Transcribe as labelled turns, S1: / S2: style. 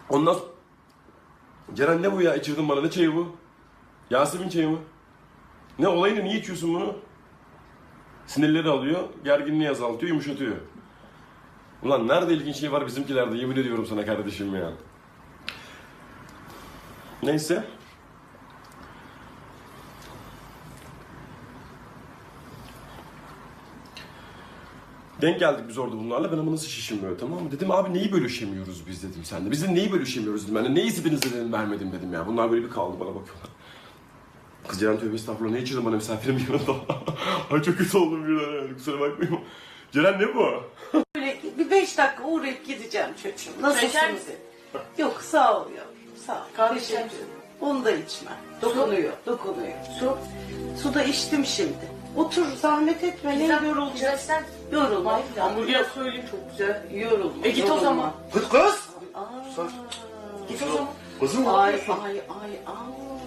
S1: Ondan sonra... Ceren ne bu ya? İçirdin bana. Ne çayı bu? Yasemin çayı mı? Ne olayını? Niye içiyorsun bunu? Sinirleri alıyor, gerginliği azaltıyor, yumuşatıyor. Ulan nerede ilginç şey var bizimkilerde, yemin ediyorum sana kardeşim ya. Neyse. Denk geldik biz orada bunlarla. Ben ama nasıl şişim tamam mı? Dedim abi neyi bölüşemiyoruz biz dedim sende. Biz de neyi bölüşemiyoruz dedim. Yani neyi birinize dedim vermedim dedim ya. Bunlar böyle bir kaldı bana bakıyorlar. Kız Ceren tövbe estağfurullah ne içirdin bana misafirim yanında. Ay çok kötü oldum birden yani kusura bakmayın. Ceren ne bu?
S2: Böyle bir 5 dakika uğrayıp gideceğim çocuğum.
S3: Şeker
S2: Nasılsınız?
S3: misin?
S2: Yok sağ ol yavrum. Sağ ol.
S3: Kahve
S2: Teşekkür
S3: içer
S2: ederim.
S3: misin?
S2: Onu da içme. Dokunuyor. Dokunuyor.
S3: Su.
S2: Su da içtim şimdi. Otur zahmet etme. Ne yorulacağız?
S3: Sen
S2: Yorulma.
S3: hamburger söyleyeyim çok güzel.
S2: Yorulma.
S3: Git o
S2: yorulma.
S3: zaman.
S4: Kız kız.
S2: Aa.
S4: Sus.
S3: Git o zaman.
S4: Kızım ne
S2: Ay
S4: yapıyorsun?
S2: ay ay ay.